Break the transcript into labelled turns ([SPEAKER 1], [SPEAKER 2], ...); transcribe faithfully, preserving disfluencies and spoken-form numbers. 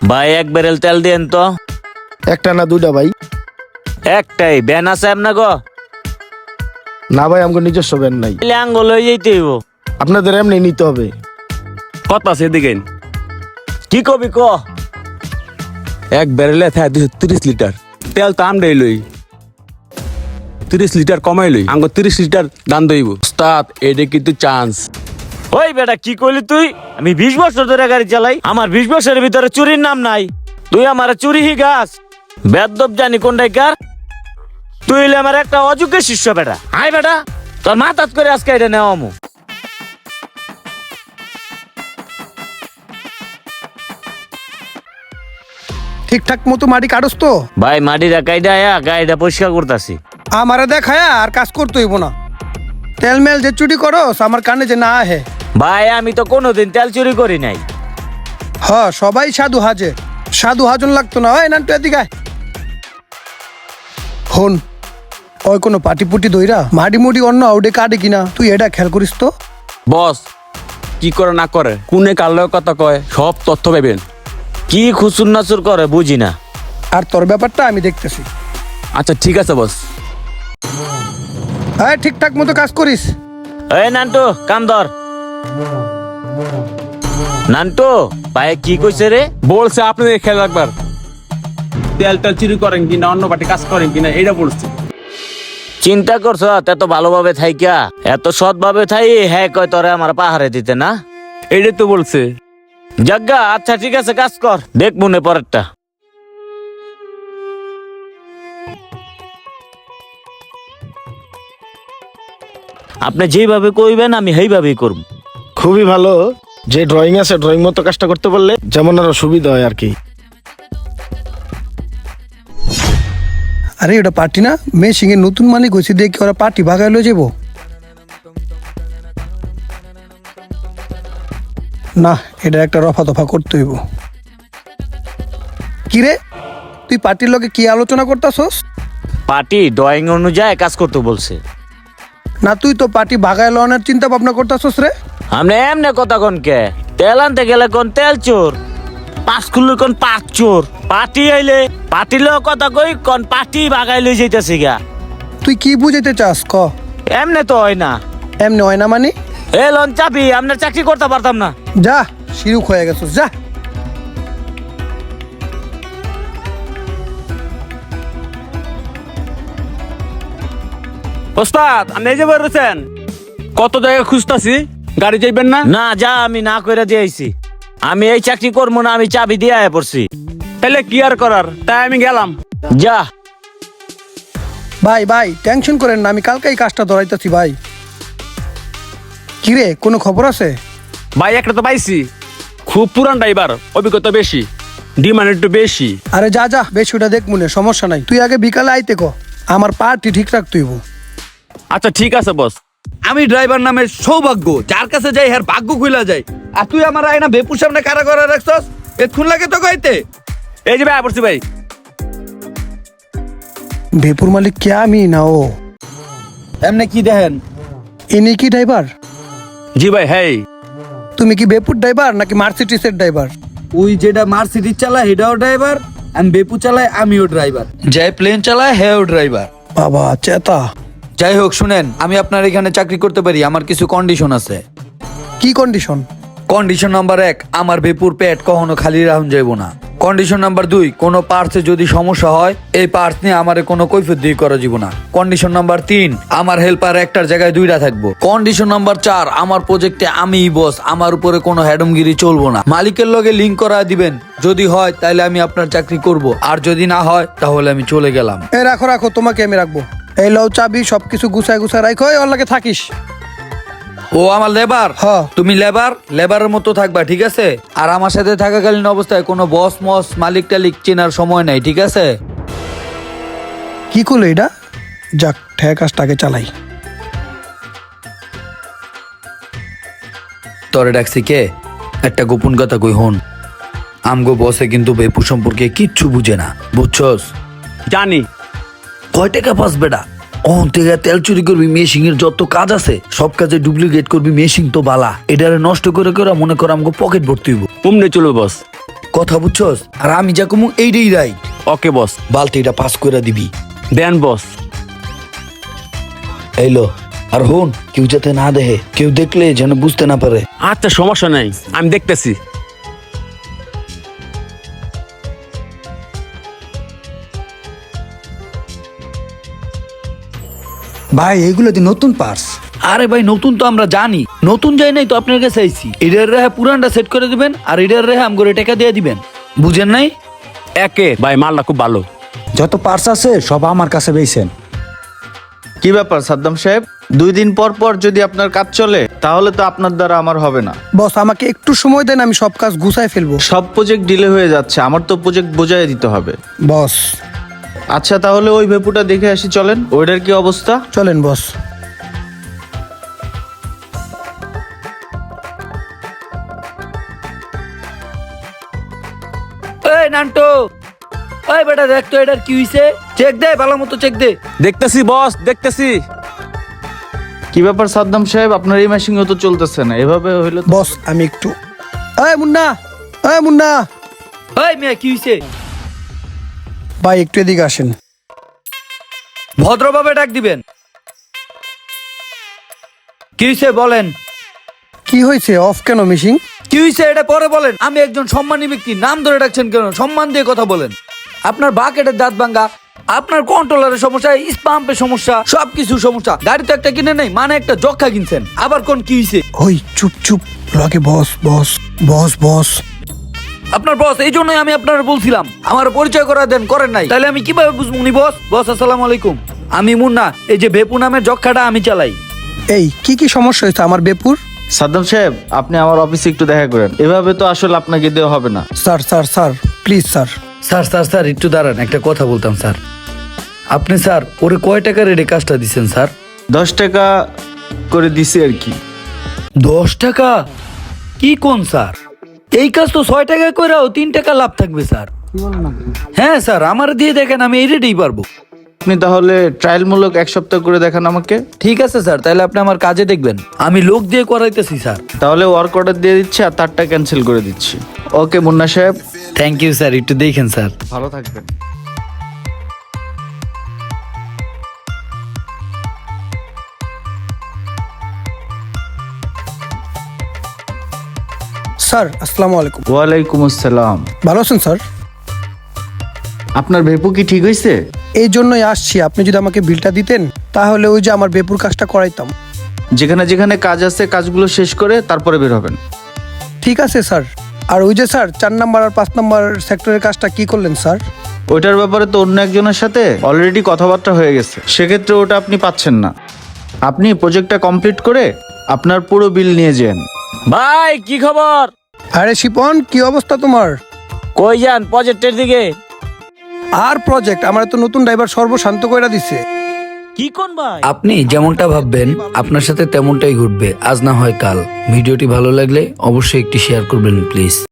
[SPEAKER 1] ভাই এক ব্যারেল তেল দেন তো।
[SPEAKER 2] একটা না দুইটা ভাই?
[SPEAKER 1] একটাই। ব্যান আছে আপনার গো?
[SPEAKER 2] না ভাই, আমাকে নিজস্ব ব্যান নাই।
[SPEAKER 1] আঙ্গুল হয়ে যেতে হইব।
[SPEAKER 2] আপনাদের এমনি নিতে হবে।
[SPEAKER 3] কত আছে এদিকে?
[SPEAKER 1] কি কবি ক?
[SPEAKER 3] এক ব্যারেলে থাকে দুশো তিরিশ লিটার তেল তো আমরাই লই, তিরিশ লিটার কমাই লই, আঙ্গ তিরিশ লিটার দান দইব। ওস্তাদ এটা কিন্তু চান্স।
[SPEAKER 1] ওই বেটা কি কইলি তুই? আমি বিশ বছর ধরে গাড়ি চালাই, আমার বিশ বছরের ভিতরে চুরির নাম নাই। তুই আমার চুরি হি গাছ বেদব জানি কোনটাই কার। তুই হইলে আমার একটা অযোগ্য শিষ্য বেটা। হাই বেটা, তোর মাথাত করে আজকে এটা নেওয়া আমু।
[SPEAKER 4] ঠিকঠাক মতো মাটি কাটস তো?
[SPEAKER 1] ভাই মাটিটা কাইডা আয়া গাড়িটা পরিষ্কার করতাছি।
[SPEAKER 4] আমারে দেখায়া আর কাজ করতে হইব না। তেল মেল যে চুরি করস আমার কানে যে না আহে।
[SPEAKER 1] ভাই আমি তো কোনোদিন তেল চুরি করি নাই।
[SPEAKER 4] হ, সবাই সাধু হাজে, সাধু হাজন লাগতো না। হয় না তুই এদিকে আয়। হন, ওই কোনো পাটি পুটি দইরা মাটি মুটি অন্য আউডে কাটে কিনা তুই এটা খেয়াল করিস তো।
[SPEAKER 3] বস কি করে না করে, কোনে কালো কথা কয়, সব তথ্য পাবেন।
[SPEAKER 1] কি খুচুর নাচুর করে বুঝি না।
[SPEAKER 4] আর তোর ব্যাপারটা আমি দেখতেছি।
[SPEAKER 3] আচ্ছা ঠিক আছে বস।
[SPEAKER 4] হ্যাঁ, ঠিকঠাক মতো কাজ করিস।
[SPEAKER 1] এই নান্টু কাম ধর। নান্টু ভাই কি কইছে রে?
[SPEAKER 3] বলছে আপনাদের খেয়াল রাখবার, তেল তেল চুরি করেন কিনা, অন্য পার্টি কাজ করেন কিনা, এটা বলছে।
[SPEAKER 1] চিন্তা করছ এত ভালোভাবে থাইকা, এত সৎ ভাবে থাই, হ্যাঁ কয় তোরে আমার পাহাড়ে দিতে না।
[SPEAKER 3] এইটাই তো বলছে।
[SPEAKER 1] জাগা আচ্ছা ঠিক আছে, কাজ কর, দেখ মনে পরেরটা। আপনি যেভাবে কইবেন আমি সেইভাবেই করব।
[SPEAKER 2] খুবই ভালো, যে ড্রয়িং আছে ড্রয়িং মতো কাজটা করতে পারলে যেমন আরো সুবিধা হয় আর কি।
[SPEAKER 4] আরে ওটা পার্টি না, মেয়ে সিংহে নতুন মালিক হয়েছে দেখি ওরা পার্টি ভাগাই লয়ে যাবো না। এটা একটা রফা দফা করতে হইব। কিরে, তুই পার্টির লগে কি আলোচনা করতাছস?
[SPEAKER 1] পার্টি ড্রয়িং অনুযায়ী কাজ করতে বলছে।
[SPEAKER 4] না, তুই তো পার্টি ভাগায় লওয়ার চিন্তা ভাবনা করতাছস রে।
[SPEAKER 1] আপনি এমনি কথা কোন কে? তেল আনতে গেলে কোন তেল চোর, পাঁচ খুললে কোন পাঁচ চোর, পার্টি আইলে পার্টি লো কথা কই কোন পার্টি ভাগাই লই যাইতেছি গা।
[SPEAKER 4] তুই কি বুঝাইতে চাস ক?
[SPEAKER 1] এমনি তো হয় না।
[SPEAKER 4] এমনি হয় না মানে?
[SPEAKER 1] এ লন চাবি, আপনার চাকরি করতে পারতাম না।
[SPEAKER 4] যা, শিরুক হয়ে গেছস, যা।
[SPEAKER 3] ওস্তাদ আপনি এই যে বেরোছেন, কত জায়গায় খুঁজতাছি, গাড়ি যাইবেন না?
[SPEAKER 1] না যা, আমি না করে দিয়েছি। আমি এই চাকরি করবো না, আমি চাবি দিয়ে আয়া পড়ছি।
[SPEAKER 3] তাহলে কি আর করার, তাই আমি গেলাম।
[SPEAKER 1] যা।
[SPEAKER 4] ভাই ভাই টেনশন করেন না, আমি কালকে এই কাজটা ধরাইতেছি ভাই। কিরে, কোনো খবর আছে?
[SPEAKER 3] ভাই একটা তো পাইছি, খুব পুরান ড্রাইভার, অভিজ্ঞতা বেশি, ডিমান্ড একটু বেশি।
[SPEAKER 4] আরে যা যা, বেশ ওটা দেখ মনে, সমস্যা নাই। তুই আগে বিকালে আইতে ক, আমার পার্টি ঠিক রাখতে হইব।
[SPEAKER 3] আচ্ছা ঠিক আছে বস।
[SPEAKER 5] আমি ড্রাইভার নামে সৌভাগ্য, যার কাছে যাই হ্যার ভাগ্য খুইলা যায়। আর তুই আমার আয়না বেপুর সামনে কারা করে রাখছস, এক্ষুন লাগে তো কইতে।
[SPEAKER 3] এই যে ভাই পড়ছি ভাই।
[SPEAKER 4] বেপুর মালিক কে, আমি না ও?
[SPEAKER 5] এমনি কি দেখেন?
[SPEAKER 4] ইনি কি ড্রাইভার?
[SPEAKER 3] জি ভাই। হ্যাঁ
[SPEAKER 4] তুমি কি বেপুর ড্রাইভার নাকি মার্সিডিসের ড্রাইভার?
[SPEAKER 5] ওই যেটা মার্সিডিজ চালায় হেটাও ড্রাইভার, আমি বেপু চালাই আমিও ড্রাইভার, যে প্লেন চালায় হেও ড্রাইভার।
[SPEAKER 4] বাবা চেতা।
[SPEAKER 5] যাই হোক শুনেন, আমি আপনার এখানে চাকরি করতে পারি, আমার কিছু কন্ডিশন আছে।
[SPEAKER 4] কি কন্ডিশন?
[SPEAKER 5] কন্ডিশন নাম্বার এক, আমার বেপুর পেট কখনো খালি রাখুন যাইব না। কন্ডিশন নাম্বার দুই, কোনো পার্টসে যদি সমস্যা হয় এই পার্টস নিয়ে আমার কোনো কৈফিয়ত দিয়ে করা যাব না। কন্ডিশন নাম্বার তিন, আমার হেল্পার একটার জায়গায় দুইটা থাকবো। কন্ডিশন নাম্বার চার, আমার প্রজেক্টে আমিই বস, আমার উপরে কোনো হ্যাডমগিরি চলবো না। মালিকের লগে লিঙ্ক করা দিবেন, যদি হয় তাহলে আমি আপনার চাকরি করব, আর যদি না হয় তাহলে আমি চলে গেলাম।
[SPEAKER 4] এ রাখো রাখো, তোমাকে আমি রাখবো। এই লও চাবি, সবকিছু গুছায় গুছায় রাখো, ওর লাগে থাকিস।
[SPEAKER 5] ও আমার লেবার?
[SPEAKER 4] হ্যাঁ।
[SPEAKER 5] তুমি লেবার, লেবারের মতো থাকবা, ঠিক আছে? আর আমার সাথে থাকাকালীন অবস্থায় কোনো বস মস মালিক টালিক চেনার সময় নাই, ঠিক আছে?
[SPEAKER 4] কি করলো এটা? যাক, ঠেক কাজটাকে চালাই।
[SPEAKER 5] তরে ডাকছি কে? একটা গোপন কথা কই হন, আমগো বসে কিন্তু বেপু সম্পর্কে কিচ্ছু বুঝে না, বুঝছস?
[SPEAKER 3] জানি।
[SPEAKER 5] কয় টাকা পাস বেটা? অন থেকে তেল চুরি করবি, মেশিং এর যত কাজ আছে সব কাজে ডুপ্লিকেট করবি, মেশিং তো বালা, এটারে নষ্ট করে করে মনে কর আমগো পকেট ভর্তি হইব।
[SPEAKER 3] কুমনে চলবে বস।
[SPEAKER 5] কথা বুঝছস? আর আমি যা কমু এইটাই রাইট।
[SPEAKER 3] ওকে বস।
[SPEAKER 5] বালতিটা পাস করে দিবি।
[SPEAKER 3] দেন বস।
[SPEAKER 5] এইলো, আর হন কেউ যাতে না দেখে, কেউ দেখলে যেন বুঝতে না পারে।
[SPEAKER 3] আচ্ছা সমস্যা নাই, আমি দেখতেছি।
[SPEAKER 4] ভাই এইগুলো দি নতুন পার্স।
[SPEAKER 5] আরে ভাই নতুন তো আমরা জানি, নতুন যাই নাই তো আপনার কাছে আইছি। এটার রেহা পুরানটা সেট করে দিবেন আর এটার রেহা আমগরে টাকা দিয়ে দিবেন, বুঝেন নাই?
[SPEAKER 3] একে ভাই মালটা খুব ভালো।
[SPEAKER 6] যত পার্স আছে সব আমার কাছে বেইছেন।
[SPEAKER 7] কি ব্যাপার সাদ্দাম সাহেব, দুই দিন পর পর যদি আপনার কাজ চলে তাহলে তো আপনার দ্বারা আমার হবে না।
[SPEAKER 4] বস আমাকে একটু সময় দেন, আমি সব কাজ গুছায় ফেলবো।
[SPEAKER 7] সব প্রজেক্ট ডিলে হয়ে যাচ্ছে, আমার তো প্রজেক্ট বোঝাই দিতে হবে।
[SPEAKER 4] বস
[SPEAKER 7] আচ্ছা তাহলে ওই ভেপুটা দেখে আসি চলেন, ওইটার কি অবস্থা।
[SPEAKER 4] চলেন বস।
[SPEAKER 5] এই নান্টো, ওই বেটা দেখ তো এটার কি হইছে, চেক দে, ভালো মতো চেক দে।
[SPEAKER 3] দেখতেছি বস, দেখতেছি।
[SPEAKER 7] কি ব্যাপার সাদ্দাম সাহেব, আপনার এই মেশিন তো চলতেছে না, এভাবে হইলো তো-
[SPEAKER 4] বস আমি একটু, এই মুন্না, এই মুন্না
[SPEAKER 5] ওই মিয়া কি হইছে?
[SPEAKER 4] ভাই একটু এদিকে আসেন।
[SPEAKER 5] ভদ্রভাবে ডাক দিবেন। কি হইছে বলেন?
[SPEAKER 4] কি হয়েছে? অফ কেন মিশিং?
[SPEAKER 5] কি হইছে এটা পরে বলেন। আমি একজন সম্মানী ব্যক্তি, নাম ধরে ডাকছেন কেন? সম্মান দিয়ে কথা বলেন। আপনার বাকেটের দাঁত ভাঙ্গা, আপনার কন্ট্রোলারের সমস্যা, স্পাম্পের সমস্যা, সবকিছু সমস্যা। গাড়ি তো একটা কিনে নেই, মানে একটা জক্ষা কিনছেন, আবার কোন কি হইছে?
[SPEAKER 4] ওই চুপ চুপ, লগে বস বস বস বস।
[SPEAKER 5] আপনার বস, এই জন্যই আমি আপনার বলছিলাম আমার পরিচয় করা দেন, করেন নাই, তাহলে আমি কিভাবে বুঝবো উনি বস? বস আসসালামু আলাইকুম, আমি মুন্না, এই যে ভেপু নামের জক্ষাটা আমি চালাই।
[SPEAKER 4] এই কি কি সমস্যা হয়েছে আমার বেপুর?
[SPEAKER 7] সাদ্দাম সাহেব আপনি আমার অফিসে একটু দেখা করেন, এভাবে তো আসলে আপনাকে দেওয়া হবে না।
[SPEAKER 4] Sir sir sir please sir.
[SPEAKER 5] Sir sir sir একটু দাঁড়ান, একটা কথা বলতাম স্যার। আপনি স্যার ওরে কয় টাকা রেটে কাজটা দিচ্ছেন স্যার?
[SPEAKER 7] দশ টাকা করে দিছি আর কি।
[SPEAKER 5] দশ টাকা? কি কোন স্যার, এই কাজ তো ছয় টাকা করেও তিন টাকা লাভ থাকবে স্যার। হ্যাঁ স্যার, আমার দিয়ে দেখেন, আমি এই রেটেই পারবো।
[SPEAKER 7] আপনি তাহলে ট্রায়ালমূলক এক সপ্তাহ করে দেখান আমাকে।
[SPEAKER 5] ঠিক আছে স্যার, তাহলে আপনি আমার কাজে দেখবেন, আমি লোক দিয়ে করাইতেছি স্যার।
[SPEAKER 7] তাহলে ওয়ার্ক অর্ডার দিয়ে দিচ্ছি আর তারটা ক্যান্সেল করে দিচ্ছি। ওকে মুন্না সাহেব,
[SPEAKER 5] থ্যাংক ইউ স্যার, একটু দেখেন স্যার।
[SPEAKER 7] ভালো থাকবেন।
[SPEAKER 4] স্যার আসসালামু আলাইকুম।
[SPEAKER 7] ওয়ালাইকুম আসসালাম।
[SPEAKER 4] ভালো আছেন স্যার?
[SPEAKER 7] আপনার ভেপু কি ঠিক হয়েছে?
[SPEAKER 4] এই জন্যই আসছি, আপনি যদি আমাকে বিলটা দিতেন তাহলে ওই যে আমার বেপুর কাজটা করাইতাম।
[SPEAKER 7] যেখানে যেখানে কাজ আছে কাজগুলো শেষ করে তারপরে বের হবেন।
[SPEAKER 4] ঠিক আছে স্যার। আর ওই যে স্যার চার নাম্বার আর পাঁচ নাম্বার সেক্টরের কাজটা কি করলেন স্যার?
[SPEAKER 7] ওইটার ব্যাপারে তো অন্য একজনের সাথে অলরেডি কথাবার্তা হয়ে গেছে, সেক্ষেত্রে ওটা আপনি পাচ্ছেন না। আপনি প্রজেক্টটা কমপ্লিট করে আপনার পুরো বিল নিয়ে যান।
[SPEAKER 1] ভাই কি খবর?
[SPEAKER 4] আরে শিপন, কি অবস্থা তোমার?
[SPEAKER 1] কই যান? প্রজেক্টের দিকে।
[SPEAKER 4] আর প্রজেক্ট আমার তো নতুন ড্রাইভার সর্বশান্ত কইরা দিছে।
[SPEAKER 1] কি কোন ভাই?
[SPEAKER 5] আপনি যেমনটা ভাববেন আপনার সাথে তেমনটাই ঘটবে, আজ না হয় কাল। ভিডিওটি ভালো লাগলে অবশ্যই একটি শেয়ার করবেন প্লিজ।